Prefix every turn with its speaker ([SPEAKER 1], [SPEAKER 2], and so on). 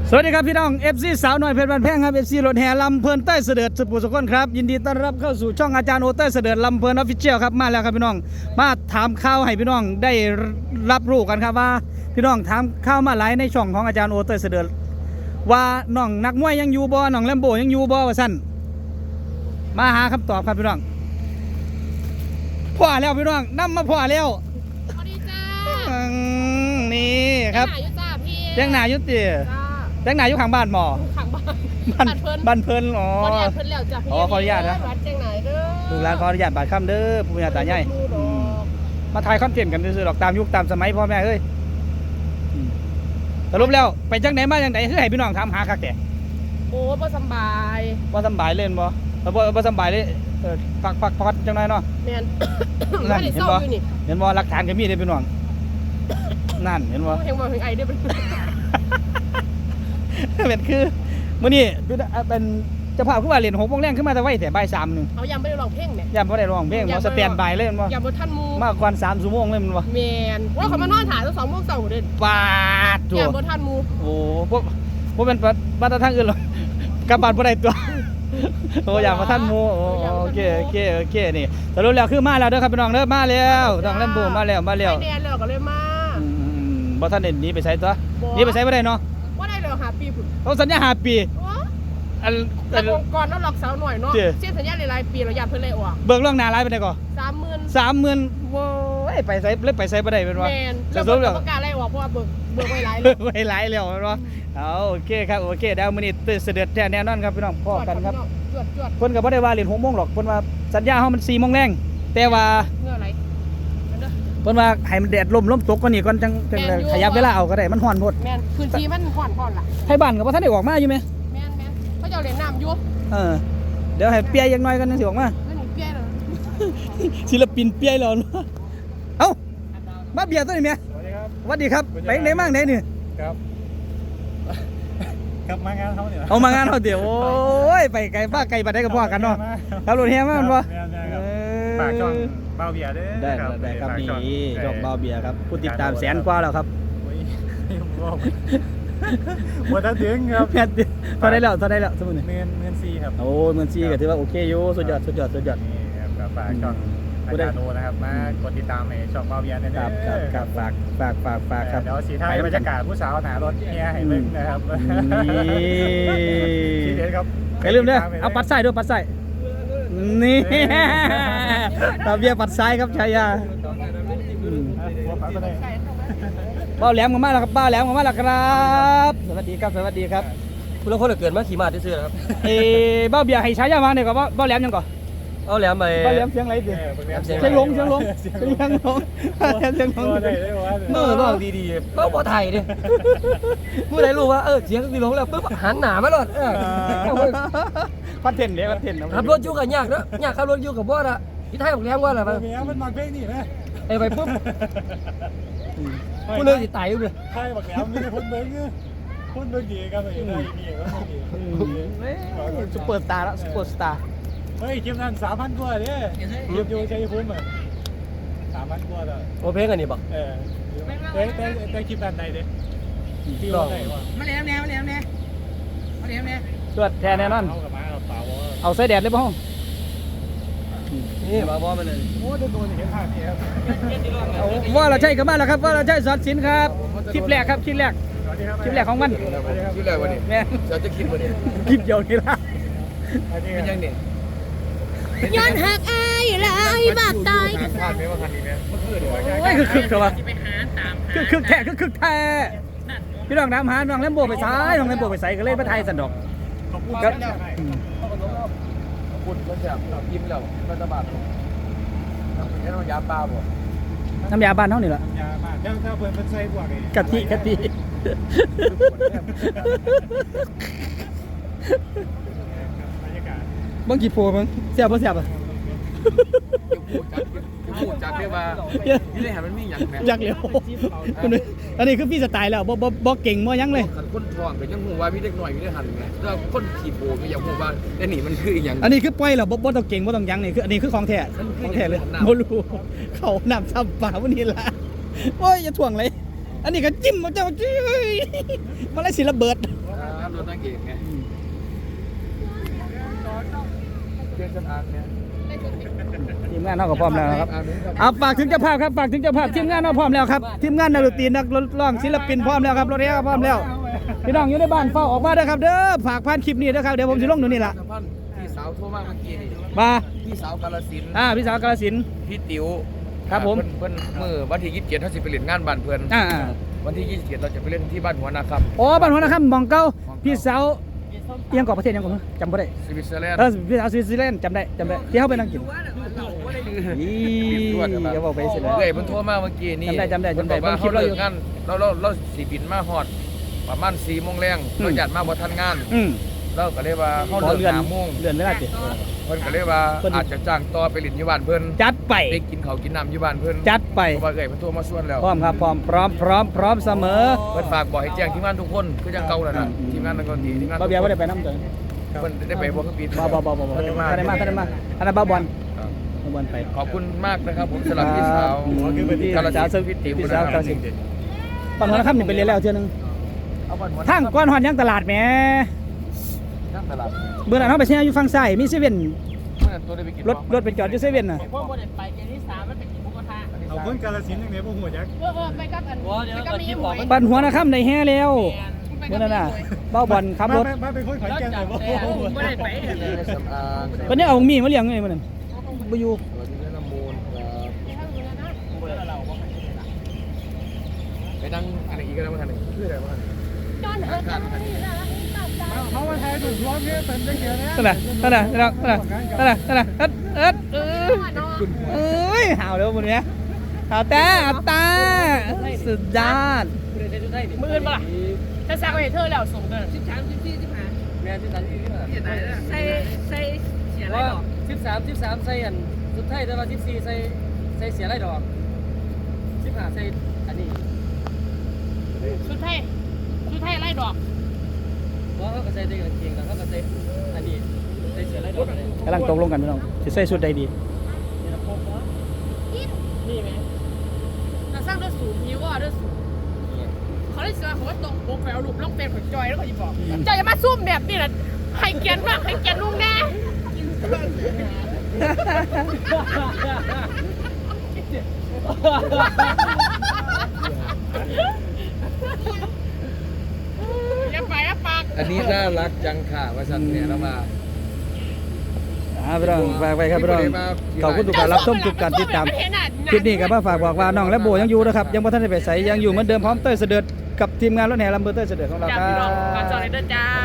[SPEAKER 1] สวัสดีครับพี่น้อง FC สาวหน่อยเพชรบ้านแพงครับ FC รถแห่ลำเพลินใต้เสด็จสุภูสุขนครับยินดีต้อนรับเข้าสู่ช่องอาจารย์โอใต้เสด็จลำเพลินออฟฟิเชียลครับมาแล้วครับพี่น้องมาถามข่าวให้พี่น้องได้รับรู้กันครับว่าพี่น้องถามข่าวมาหลายในช่องของอาจารย์โอใต้เสด็จว่าน้องนักมวยยังอยู่บ่น้องแลมโบยังอยู่บ่ว่าสั้นมาหาคำตอบครับพี่น้องพ่อแล้วพี่น้องนำมาพ่อแล้ว
[SPEAKER 2] สวัสดีจ้า
[SPEAKER 1] นี่ครับ
[SPEAKER 2] ยังหนาอยู่จ้าพี่
[SPEAKER 1] ยังหนายุติ
[SPEAKER 2] จ้า
[SPEAKER 1] ยังหนาอยู่ข้างบ้านหมอ
[SPEAKER 2] ขังบ้าน
[SPEAKER 1] บ้าน
[SPEAKER 2] เพิ่น
[SPEAKER 1] บ้านเพลินอ๋อ
[SPEAKER 2] ขออนุญาตเพิ่นแล้วจ้าพี่
[SPEAKER 1] อ๋อขออนุญาตนะ
[SPEAKER 2] วัดจังไหนเด้อ
[SPEAKER 1] ลูกหลานขออนุญาตบาดค่ำเด้อผู้มีตาใหญ่
[SPEAKER 2] ดูดอก
[SPEAKER 1] มาถ่ายคอนเทนต์กันซื่อๆดอกตามยุคตามสมัยพ่อแม่เอ้ยสรุปแล้วไปจังไหนมาจังไหนคือให้พี่น้องถามหาคักแต่
[SPEAKER 2] โอ้บ่สำบาย
[SPEAKER 1] บ่สำบายเล่นบ่บ่สำบายเลยพักจังไหนเนาะ
[SPEAKER 2] แม่น
[SPEAKER 1] นั่
[SPEAKER 2] ไม่
[SPEAKER 1] น
[SPEAKER 2] ได้
[SPEAKER 1] เห็น
[SPEAKER 2] เศร้า
[SPEAKER 1] บ่
[SPEAKER 2] อยู่นี่
[SPEAKER 1] เห็นบ่หลักฐานก็มีเด้พี่น้องนั่นเห็นบ่
[SPEAKER 2] เฮงบ่เฮงไอได้อเป็น
[SPEAKER 1] เป็นคือมื้อนี้เป็นเจ้าภาพคือว่าเล่น6 โมงแรงขึ้นมาแต่ไว้แต่บ่าย 3 นึง
[SPEAKER 2] เอายังไม่ได้ร้องเพลงเนี่ย
[SPEAKER 1] ย่ำบ่ได้ร้องเพลงบ่สแตนบายเลยแม่นบ่
[SPEAKER 2] อย่าบ่ทันหมู่
[SPEAKER 1] มากกว่า3 ชั่วโมงเลยแม่นบ่
[SPEAKER 2] แม่นว่าเขามานอนถ่ายตั้ง2 โมงเช้าเด้อ
[SPEAKER 1] ปาดตั
[SPEAKER 2] อย่าว บ่ทันหมู่
[SPEAKER 1] โอ้พวกเป็นบ้านทางอื่นหรอกกลับบ้านบ่ได้ตัวโอ้อยากมาท่านหมูโอเคนี่สรุปแล้วคือมาแล้วเด้อครับพี่น้องเด้อมาแล้วน้องแลมโบมาแล้ว
[SPEAKER 2] ไปแดนแล้วก็เลยมา
[SPEAKER 1] บ่ทันได้หนีไปไสตัวหนีไปไสบ่ได้เนาะ
[SPEAKER 2] บ่ได้แล้ว5 ปีพุ่น
[SPEAKER 1] เขาสัญญา5 ปี
[SPEAKER 2] โอ้
[SPEAKER 1] อัน
[SPEAKER 2] แต่องค์กรนั้นหลอกสาวหน่อยเนาะเซ็นสัญญาหลายๆปีแล้วอย่าเพิ่นเลยออก
[SPEAKER 1] เบิกล่วงหน้าหลายปานใดก่อ
[SPEAKER 2] 30,000
[SPEAKER 1] โว้ยไปไสเลยไปไสบ่ได้เป็นว่า
[SPEAKER 2] แม่น
[SPEAKER 1] ส
[SPEAKER 2] แล้ว
[SPEAKER 1] รุ
[SPEAKER 2] เบิ
[SPEAKER 1] ป
[SPEAKER 2] ก
[SPEAKER 1] แล้ว
[SPEAKER 2] ประกาศไล่ออกเพราะว่าเบิกไว้หลาย
[SPEAKER 1] เบิกไว้หลายแล้วเป็นว่าเอาโอเคครับโอเคเดี๋ยวมื้อนี้ตื่นเสด็จแน่นอนครับพี่น้องพอกันครับ
[SPEAKER 2] จวด
[SPEAKER 1] เพิ่นก็บ่ได้ว่าเล่น6 โมงหรอกเพิ่นว่าสัญญาเฮามัน4 โมงแรงแต่ว่า
[SPEAKER 2] เงื่อไหลเด้อ
[SPEAKER 1] เพิ่นว่าให้มันแดดลมตกก่อนนี่ก่อนจังขยับเวลาเอาก็ได้มันร้อนโพด
[SPEAKER 2] แม่นพื้นที่มันห่อนล่ะ
[SPEAKER 1] ให้บ้านก็บ่ทันได้ออกมาอยู่แม่
[SPEAKER 2] แม่นเขาจะเอาเล่นน้ำอยู่
[SPEAKER 1] เดี๋ยวให้เปียอย่างน้อยกันจังสิออกมา
[SPEAKER 2] แล้วนี่เปี้ยเลย
[SPEAKER 1] ศิลปินเปียแล้วเอ้ามาเบียร์ตัวนี้แม่
[SPEAKER 3] สวัสดีครับ
[SPEAKER 1] สวัสดีครับไปไหนมาไหนนี่
[SPEAKER 3] ครับครับมางานเขาเนี่ย
[SPEAKER 1] เอามางานเฮาเดี๋ยวโอ้ยไปไกลบ้าไกลบัดได้ก็พอกันเนาะครับรถแฮมามันบ่
[SPEAKER 3] ฝากช่องเบาเบียร์ด้วย
[SPEAKER 1] ได้ครับนี่ช่องเบาเบียร์ครับผู้ติดตาม100,000 กว่าแล้วครับ
[SPEAKER 3] หมดถึงครับ
[SPEAKER 1] แม่นเท่าได้แล้วสมมุตินี่
[SPEAKER 3] เงินซีครับ
[SPEAKER 1] โอ้เงินซีก็ถือว่าโอเคอยู่สุดยอด
[SPEAKER 3] นี่ครับฝากช่องอาจารย์โนนะครับมากดติดตามในช่องเบาเบียร์ด้วย
[SPEAKER 1] ครับฝากครับ
[SPEAKER 3] เดี๋ยวสีไทยบรรยากาศผู้สาวหนารถเนี่ยให้เบิ่งนะครับทีเด็ดครับ
[SPEAKER 1] อย่าลืมเด้อเอาปัดซ้ายด้วยปัดซ้ายนี่ตาเบียปัดซ้ายครับชายาบ้าแหลมกันมาแล้วครับบ้าแหลมกันมาแล้วครับสวัสดีครับ
[SPEAKER 4] คุณละคนเกิดมาขี่ม้าที่ซื้อครับ
[SPEAKER 1] บ้าเบียให้ชายามาเนี่ยก็บ้าแหลมยังก่อน
[SPEAKER 4] เอาแหลมไป
[SPEAKER 1] บ้าแหลมเสียงไรดิเสียงลงเ
[SPEAKER 4] ต้องดีๆเป้าบอไทยดิผู้ใดรู้ว่าเสียงดีลงแล้วปุ๊บหันหนามาหลด
[SPEAKER 1] คอนเทนต์
[SPEAKER 4] ขับรถอยู่กับยากเนาะยากขับรถอยู่กับบ่ละที่ไทยบอกแหลมว่าอะไร
[SPEAKER 3] เมียมันมักเพลงนี่ไหม
[SPEAKER 4] ไปปุ๊บผู้เลยสิตายอยู่เลย
[SPEAKER 3] ใช่บักแหลมมีคนเบิ่งคนเบิ่งดีกันเลยได้ดีก็ดี
[SPEAKER 1] ซุปเปอร์สตาร์แล้วซุปเปอร์สตาร์
[SPEAKER 3] เฮ้ยคลิปนั้น3,000 กว่าเด้อยู่ชัยภูมิ3,000 กว่าแล้ว
[SPEAKER 4] โอเพลงอันนี้บอก
[SPEAKER 3] แต่คลิปนั้นไหนเด้ที่ไหนวะ
[SPEAKER 2] มาแล้วแน่
[SPEAKER 1] ตรวจแทนแน่นอน
[SPEAKER 3] เอากับมาเปล่า
[SPEAKER 1] เอาใส่แดดเลยป่ะ
[SPEAKER 4] นี่มาบอมาเลย
[SPEAKER 3] โอ้โดนเห็นภาพนี่ครับ
[SPEAKER 1] ว่าเราใช่กันมาแล้วครับว่าเราใช่สอนศิลป์ครับคลิปแรกของมัน
[SPEAKER 4] คิดอะไรวะนี่
[SPEAKER 1] แม่
[SPEAKER 4] จะคิดวะนี่
[SPEAKER 1] คลิปเดียวนี่ละ
[SPEAKER 4] เป็นยังนี่
[SPEAKER 2] ย้อนหักอายหลายบาดตาย
[SPEAKER 3] ภาพนี้ว่าคันนี้เนี่ยมันคือเดี๋ยว
[SPEAKER 1] โอ้ยคึกเถอะวะคึกแท้พี่น้องน้ำหาน้องแลมโบไปซ้ายน้องแลมโบไปใส่ก็เล่นพระไทยสันดอก
[SPEAKER 3] ครับ
[SPEAKER 4] บุญมันจะยิ้มแล้วมันจะบาดแค่ต้องยาปลาบ่
[SPEAKER 1] น้ำยาบ้านเท่านี่แหละ
[SPEAKER 3] ยามาถ้าเพิ่นใส่บวกไอ้
[SPEAKER 1] กะทิ
[SPEAKER 3] บรรยากาศ
[SPEAKER 1] บางกี่โพมั้งเสียบอ่ะ
[SPEAKER 4] พูดจากเรียกว่าที่ได้เห็นมันมีอย่างแม่
[SPEAKER 1] ยักเหลียวอันนี้คือพี่สไตล์แล้วบ่เก่งบ่ยังเลย
[SPEAKER 4] ขันคนทองเป็นยังหูว่ามีเด็กหน่อยมีได้หันไงแล้วคนขี่โบมีอย่างหูว่าแต่นี่มันคืออย่าง
[SPEAKER 1] อันนี้คือปล่อยแล้วบ่ต้องเก่งบ่ต้องยังนี่คืออันนี้คือของแท้เลยบ่รู้เขาน้ำซ้ำป่าวันนี้ละโอ้ยอย่าถ่วงเลยอันนี้ก็จิ้มมาเจ้าจี้มาเลยสิระเบิด
[SPEAKER 4] เโดนตั้งเอกไงเรื่องฉันอ่านเนี่ย
[SPEAKER 1] ทีมงานเราก็พร้อมแล้วครับเอาฝากถึงเจ้าภาพครับฝากถึงเจ้าภาพทีมงานเราพร้อมแล้วครับทีมงานนักดนตรีนักร้องศิลปินพร้อมแล้วครับรถแห่ก็พร้อมแล้วพี่น้องอยู่ในบ้านเฝ้าออกมาเด้อครับเด้อฝากผ่านคลิปนี้เด้อครับเดี๋ยวผมสิลงตรงนี้ล่ะ
[SPEAKER 4] สัมพันธ์พี่สาวโทรมาเมื่อกี้นี่
[SPEAKER 1] มา
[SPEAKER 4] พี่สาวกาฬสินธุ์
[SPEAKER 1] พี่สาวกาฬสินธุ์
[SPEAKER 4] พี่ติ๋ว
[SPEAKER 1] ครับผม
[SPEAKER 4] เพิ่นมือวันที่27เขาสิไปเล่นงานบ้านเพิ่น
[SPEAKER 1] อ่า
[SPEAKER 4] วันที่27เราจะไปเล่นที่บ้านหัวนาครับ
[SPEAKER 1] โอ้บ้านหัวนะครับหมองเก่าพี่สาวเอียงเกาะประเทศยังก่อนจำบ่ได้
[SPEAKER 4] สวิตเซอร์แลนด์
[SPEAKER 1] พี่สาวสวิตเซอร์แลนด์จำได้ที่เขาไปนั่งกินนี่อย่าบอกไปสิเลย
[SPEAKER 4] เอ้ยเพิ่นโทรมาเมื่อกี้นี่
[SPEAKER 1] จำได้
[SPEAKER 4] เพิ่นบอกว่า
[SPEAKER 1] เพิ่นคลิ
[SPEAKER 4] เขา
[SPEAKER 1] ปเรา
[SPEAKER 4] เลิ
[SPEAKER 1] อยู่
[SPEAKER 4] กงานเราสิบินมาฮอดประมาณ4 โมงแรงเราหยัดมาบ่ทันงาน เราก็เลยว่าเขา
[SPEAKER 1] ขอ
[SPEAKER 4] เลิ
[SPEAKER 1] เลื่อน
[SPEAKER 4] ก5 โมง
[SPEAKER 1] เลื่อนไม่ได้สิ
[SPEAKER 4] เพิ่นก็เลยว่า
[SPEAKER 1] เพิ่น
[SPEAKER 4] อาจจะจ้างต่อไปเล่นอยู่บ้านเพิ่น
[SPEAKER 1] จัดไป
[SPEAKER 4] ไปกินข้าวกินน้ำอยู่บ้านเพิ่น
[SPEAKER 1] จัดไป
[SPEAKER 4] เพราะว่าเอ้ยเพิ่นโทรมาชวนแล้ว
[SPEAKER 1] พร้อมครับพร้อมเสมอ
[SPEAKER 4] เพิ่นฝากบอกให้แจ้งทีมงานทุกคนคือจังเก่านั่นน่ะทีมงานนักดนตรีทีมงาน
[SPEAKER 1] บ่เบียร์บ่ได้ไปน้ำจัง
[SPEAKER 4] เพิ่นได้ไปบ่คือปี
[SPEAKER 1] บ่ท่านได้มาอันนั้นบ้าบอลบอลไป
[SPEAKER 4] ขอบคุณมากนะครับผมสำหรับพี่สาว
[SPEAKER 1] พี่สาวพี่สาวกาฬสินธุ์บ้านหัวนะครับนี่ไปเรียนแล้วเทื่อนึง
[SPEAKER 4] เอาบ้านหัว
[SPEAKER 1] ทางก้อนหอนยังตลาดแหม
[SPEAKER 4] นั่งตลาด
[SPEAKER 1] เมื่อนั้นเฮาไปเชียร์อยู่ฝั่งซ้ายมีเซเว่น
[SPEAKER 4] เมื่อนั้นตัวได้ไปกิน
[SPEAKER 1] รถเป็นจอดอยู่เซเว่นน่ะ
[SPEAKER 2] พวกโมเดลไปเกมที่3มันเป็นกินหมูกระทะ
[SPEAKER 3] เอาคนกาลสินธุ์ยังไงพวกหัวยักษ์
[SPEAKER 2] ไปกับอันไปกับมีหวย
[SPEAKER 1] บ้านหัวนะครับในแห่แล้วเมื่อนั้นน่ะเบ้าบอลขับรถ
[SPEAKER 3] มาเป็นคนขอนแก่นเลยพวกหัว
[SPEAKER 2] ไม่ได้ไป
[SPEAKER 4] ในสำอาง
[SPEAKER 1] เพิ่นยังเอามีมาเลี้ยงอยู่นี่มื้อนั้นบ่อยู่
[SPEAKER 4] สวัสดีแม่น้ำมูลครับไปนั่งอะไรอีกก็ได้มาทานหนึ่งคืออะไรมาทาน
[SPEAKER 2] จอนเออจอนนี่นะ
[SPEAKER 3] เขามาไทยถูกร้องเนี่ยเป็นได้เกี่ยวนะ
[SPEAKER 1] นั่นน่ะเอ้ยหาวเด้อมื้อนี้หาวแต่สุดยอด
[SPEAKER 2] มือมาล่ะจะสั่งไปให้เธอแล้วส่งเธอ13 14 15
[SPEAKER 4] แม่ที่ตันที่นี่
[SPEAKER 2] ใส่เสียอะไรดอก
[SPEAKER 5] 13ใส่อันสุดท้ายแต่ว่า14ใส่เสียไรดอก15ใส่อันนี้
[SPEAKER 2] ชุดไทยอะไรดอก
[SPEAKER 5] เพราะเขาก็ใส่ได้กางเกงแล้วเขาก็ใส่อันนี้ใส่เสียไรดอกอะไร
[SPEAKER 1] กำลังตกลงกันพี่น้องสิใส่ชุดใดดี
[SPEAKER 2] นี่ไหมจะสร้างด้วยสูงนิ้วว่าด้วยสูงเขาได้เสือเขาว่าตกโป๊กแล้วลูกล่องเป็นของจอยแล้วเขาจะบอกจอยจะมาซุ่มแบบนี้แหละให้เกียรติมากให้เกียรติลุงแน่อย่าไปอย่าปาก
[SPEAKER 4] อันนี้น่ารักจังค่ะว่าสันเนี่ยเรามา
[SPEAKER 1] พี่น้องฝากไปครับพี่น้องขอบคุณทุกการรับชมทุกการติดตามคลิปนี้ก็มาฝากบอกว่าน้องและโบยังอยู่นะครับยังบ่ทันได้ไปไสยังอยู่เหมือนเดิมพร้อมเต้ยเสด็จกับทีมงานรถแห่ลำเบอร์เต้ยเสด็จของเรา
[SPEAKER 2] จ้า
[SPEAKER 1] ครั
[SPEAKER 2] พี่น้องมาจ
[SPEAKER 1] บ
[SPEAKER 2] อยเลยเด้อจ้า